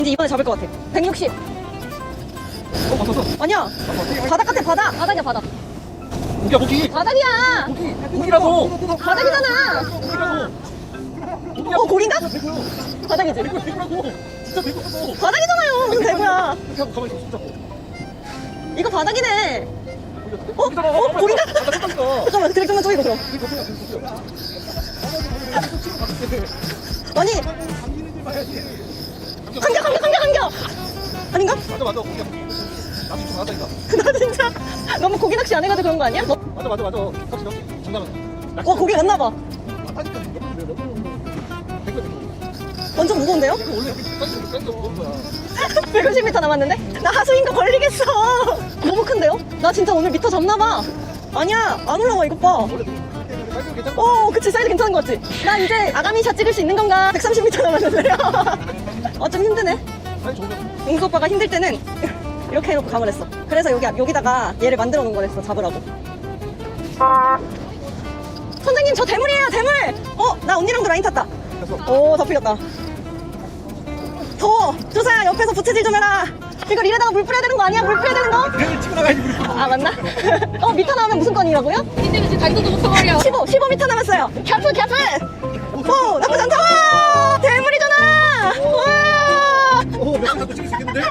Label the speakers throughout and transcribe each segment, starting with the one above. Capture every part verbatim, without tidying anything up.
Speaker 1: 이제 이번에 잡을 것 같아. 백육십.
Speaker 2: 어, 맞췄어.
Speaker 1: 아니야. 바닥 같아, 바닥. 바닥이야, 바닥.
Speaker 2: 고기야, 고기.
Speaker 1: 바닥이야.
Speaker 2: 고기. 고기라고.
Speaker 1: 바닥이잖아.
Speaker 2: 고기라고.
Speaker 1: 어, 고기인가?
Speaker 2: 대구요.
Speaker 1: 바닥이지.
Speaker 2: 대구, 대구라고. 진짜 대구라고.
Speaker 1: 바닥이잖아요. 무슨 대구야.
Speaker 2: 이렇게 하고 가만히 있어, 진짜.
Speaker 1: 이거 바닥이네. 어?
Speaker 2: 고기잖아.
Speaker 1: 어? 고기인가?
Speaker 2: 아, 나 헷갈린다.
Speaker 1: 잠깐만, 드랙 좀만 쪼이고 그럼.
Speaker 2: 그게 고기야, 그게 고기야.
Speaker 1: 아니, 한겨, 한겨, 한겨, 한겨. 아닌가?
Speaker 2: 맞아, 맞아, 고기야. 나도 좀 맞아, 이거.
Speaker 1: 나 진짜 너무 고기 낚시 안 해가지고 그런 거 아니야? 너,
Speaker 2: 맞아, 맞아, 맞아. 낚시, 낚시. 장난은.
Speaker 1: 어, 고기 맞나봐.
Speaker 2: 맞다니까. 너무, 너무. 대구, 대구.
Speaker 1: 완전 무거운데요?
Speaker 2: 이거 원래 여기 땡겨, 땡겨 먹은 거야.
Speaker 1: 백오십 미터 남았는데? 나 하수인 거 걸리겠어. 너무 큰데요? 나 진짜 오늘 미터 잡나봐. 아니야, 안 올라와, 이것 봐.
Speaker 2: 원래 사이즈 괜찮아.
Speaker 1: 어, 그치, 사이즈 괜찮은 거 같지? 나 이제 아가미샷 찍을 수 있는 건가? 백삼십 미터 남았는데요? 어, 좀 힘드네.
Speaker 2: 사이즈 좋으면.
Speaker 1: 용수 오빠가 힘들 때는 이렇게 해놓고 감을 했어. 그래서 여기, 여기다가 얘를 만들어 놓은 거랬어, 잡으라고. 선생님, 저 대물이에요, 대물! 어, 나 언니랑도 라인 탔다.
Speaker 2: 됐어.
Speaker 1: 오, 다 풀렸다. 더워! 조사야, 옆에서 부채질 좀 해라. 이걸 이래다가 물 뿌려야 되는 거 아니야? 물 뿌려야 되는 거?
Speaker 2: 그래도 치고 나가야지, 우리.
Speaker 1: 아, 맞나? 어, 미터 나오면 무슨 건이라고요?
Speaker 3: 근데 지금 다리도 못 써버려.
Speaker 1: 십오, 십오 미터 남았어요. 캡플, 캡플! 오, 나쁘지 않다! 와! 대물이잖아! 와!
Speaker 2: 오, 몇번 갖고 찍을 수 있겠는데?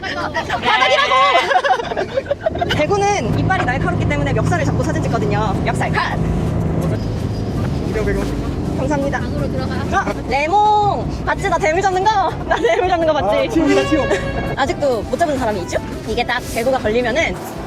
Speaker 1: 바닥이라고! 대구는 이빨이 날카롭기 때문에 멱살을 잡고 사진 찍거든요. 멱살 컷!
Speaker 2: 오백, 오백.
Speaker 1: 감사합니다.
Speaker 3: 안으로 들어가.
Speaker 1: 어, 레몽! 봤지? 나 대물 잡는 거? 나 대물 잡는 거
Speaker 2: 아,
Speaker 1: 봤지?
Speaker 2: 치움이다, 치움.
Speaker 1: 아직도 못 잡은 사람이 있죠? 이게 딱 대구가 걸리면은